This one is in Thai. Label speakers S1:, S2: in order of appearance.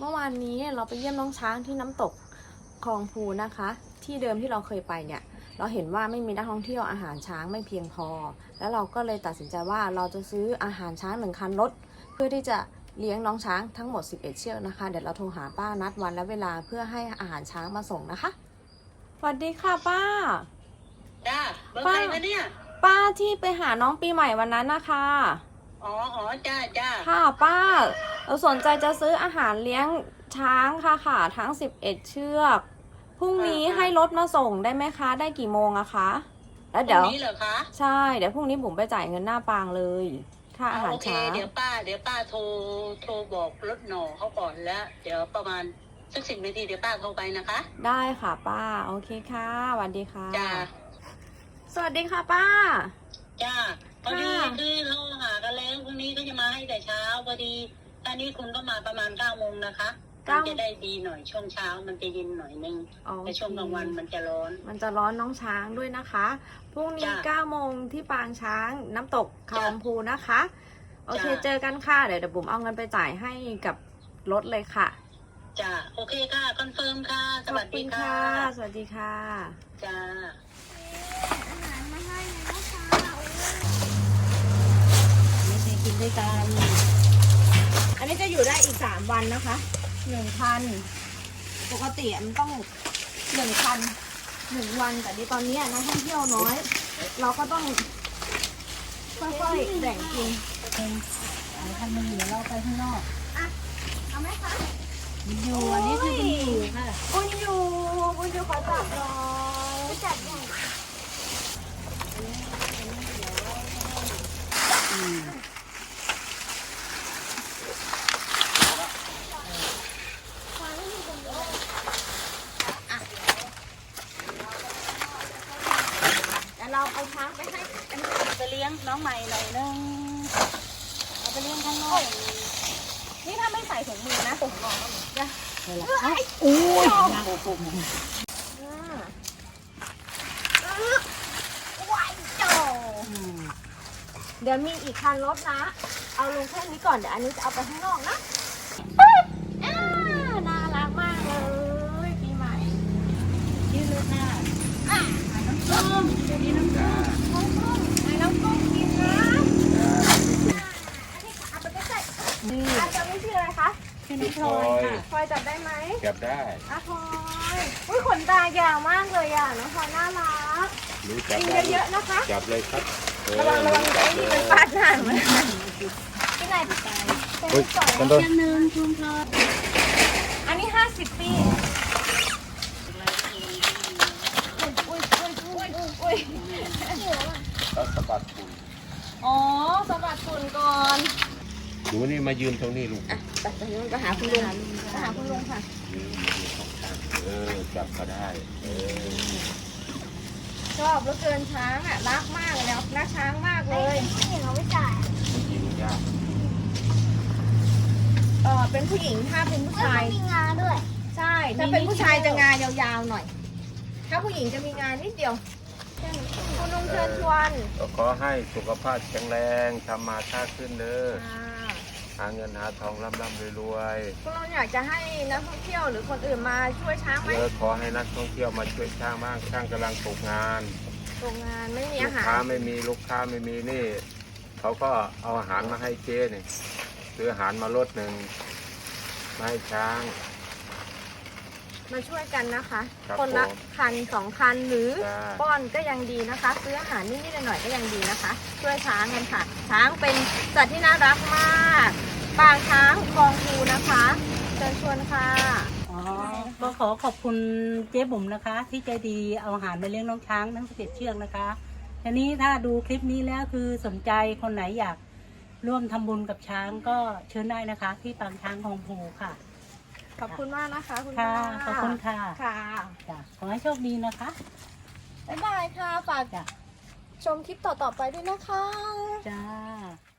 S1: เมื่อวานนี้เราไปเยี่ยมน้องช้างที่น้ำตกคลองพูนะคะ ที่เดิมที่เราเคยไปเนี่ยเราเห็นว่าไม่มีนักท่องเที่ยวอาหารช้างไม่เพียงพอแล้วเราก็เลยตัดสินใจว่าเราจะซื้ออาหารช้าง1 คันรถเพื่อที่จะเลี้ยงน้องช้างทั้งหมด11 เชือกนะคะเดี๋ยวเราโทรหาป้านัดวันและเวลาเพื่อให้อาหารช้างมาส่งนะคะสวัสดีค่ะป้า
S2: จ้าเบอร์ใครวะเนี่ย
S1: ป้าที่ไปหาน้องปีใหม่วันนั้นนะคะ
S2: อ๋อจ้า
S1: ค่ะป้าเราสนใจจะซื้ออาหารเลี้ยงช้างค่ะทั้ง11 เชือกพรุ่งนี้ให้รถมาส่งได้ไหมคะได้กี่โมงอะคะแล้วเดี๋ยว
S2: พรุ่งนี้เหรอคะ
S1: ใช่เดี๋ยวพรุ่งนี้ผมไปจ่ายเงินหน้าปางเลยค่าอาหารช้าง
S2: เดี๋ยวป้าโทรบอกรถหน่อเขาก่อนแล้วเดี๋ยวประมาณสัก10 นาทีเดี๋ยวป้าโทรไปนะคะ
S1: ได้ค่ะป้าโอเคค่ะสวัสดีค่ะ
S2: จ้า
S1: สวัสดีค่ะป้า
S2: จ้าพอดีคือเราหากันแล้วพรุ่งนี้ก็จะมาให้แต่เช้าพอดีตอนนี้คุณก็มาประมาณ9 โมงนะคะมันจะได้ดีหน่อยช่วงเช้ามันจะเย็นหน่อยนึงแต่ช่วงกลางวันมันจะร้อน
S1: น้องช้างด้วยนะคะพรุ่งนี้9 โมงที่ปางช้างน้ำตกคลองพูนะคะโอเคเจอกันค่ะเดี๋ยวบุ๋มเอาเงินไปจ่ายให้กับรถเลยค่ะ
S2: จ้าโอเคค่ะคอนเฟิร์มค่ะสวัสดีค่ะ
S1: สวัสดีค่ะ
S2: จ้า
S3: อาหารมาให้นะคะ
S2: ไม่ได้กินด้วยกัน
S1: อันนี้จะอยู่ได้อีก3 วันนะคะ1,000ปกติมันต้อง1,000 1 วันแต่ตอนนี้นักท่องเที่ยวน้อยเราก็ต้องค่อยๆแบ่งกิน
S2: ท่านมาอยู่เราไปข้างนอก
S1: เอาไหมคะ
S2: อยู่อันนี้คืออยู่ค่ะ
S1: คุณอยู่ขอจับหน่อย
S3: จัดใหญ่
S1: เราเอาช้างไปให้
S2: ไปเลี้ยงน้องใหม่หน่อยนึงเอาไปเลี้ยงข้างนอก
S1: นี่ถ้าไม่ใส่ถุงมือนะผมบอกนะ
S2: โอ้ยนางโอ้โห
S1: เดี๋ยวมีอีกคันรถนะเอาลงแค่นี้ก่อนเดี๋ยวอันนี้จะเอาไปข้างนอกนะน่ารักมากเลยปีใหม่
S2: ยืดเลยค่ะน้ำส้มจะมีน้ำส้ม
S1: น้ำส้มกินนะอันนี้เอาไปใกล้ๆอาจจะไม่ชื่ออะไรคะ
S2: ชื่อน้องพลอยค่ะ
S1: พลอยจับได้ไหม
S4: จับได้
S1: พลอยอุ้ยขนตายาวมากเลยน้องพลอยน่ารักกินเยอะๆนะคะ
S4: จับเลยครับ
S1: ระวังไอ้นี่มันฟาดหน้ามันที่ไหนไป
S4: มันโดน
S2: คุณพลอย
S1: อันนี้50 ปีอุ้ย
S4: สะบัดฝุ่น
S1: อ๋อสะบัดฝุ่นก่อน
S4: หนูนี่มายืนตรงนี้ลูก
S1: ไปหาคุณลุงค่ะ
S4: จับก็ได้
S1: ชอบเหลือเกินช้างอ่ะรักมากเลยนะรักช้างมากเลย
S3: ผู้หญิงเขาไม่จ่าย
S4: ยิงยาก
S1: เป็นผู้หญิงถ้าเป็นผู้ชาย
S3: มีงาด้วย
S1: ใช่ถ้าเป็นผู้ชายจะงายาวๆหน่อยถ้าผู้หญิงจะมีงานนิดเดียวคุณลุงเชิญชวน
S4: ก็ขอให้สุขภาพแข็งแรงทำมาค้าขึ้นเด้อหาเงินหาทองร่ำรวย
S1: คุณลุงอยากจะให้นักท่องเที่ยวหรือคนอื่นมาช่วยช้างไหม
S4: ขอให้นักท่องเที่ยวมาช่วยช้างมากช้างกำลังตกงาน
S1: ไม่มีอาหาร
S4: ลูกค้าไม่มีนี่เขาก็เอาอาหารมาให้เจ๊นี่ซื้ออาหารมารถหนึ่งมาให้ช้าง
S1: มาช่วยกันนะคะคนละคัน2 คันหรือป้อนก็ยังดีนะคะซื้ออาหารนิดๆหน่อยๆก็ยังดีนะคะช่วยช้างกันค่ะช้างเป็นสัตว์ที่น่ารักมากปางช้างคลองพูนะคะเชิญชวนค่ะ
S2: ก็ขอขอบคุณเจ๊บุ๋มนะคะที่ใจดีเอาอาหารมาเลี้ยงน้องช้างทั้ง11 เชือกนะคะทีนี้ถ้าดูคลิปนี้แล้วคือสนใจคนไหนอยากร่วมทำบุญกับช้างก็เชิญได้นะคะที่ปางช้างคลองพูค่ะ
S1: ขอบคุณมากนะคะคุณ
S2: ค่ะขอบคุณค่ะ
S1: ค่ะ
S2: ขอให้โชคดีนะคะ
S1: บ๊ายบายค่ะฝากชมคลิปต่อๆไปด้วยนะคะ
S2: จ้า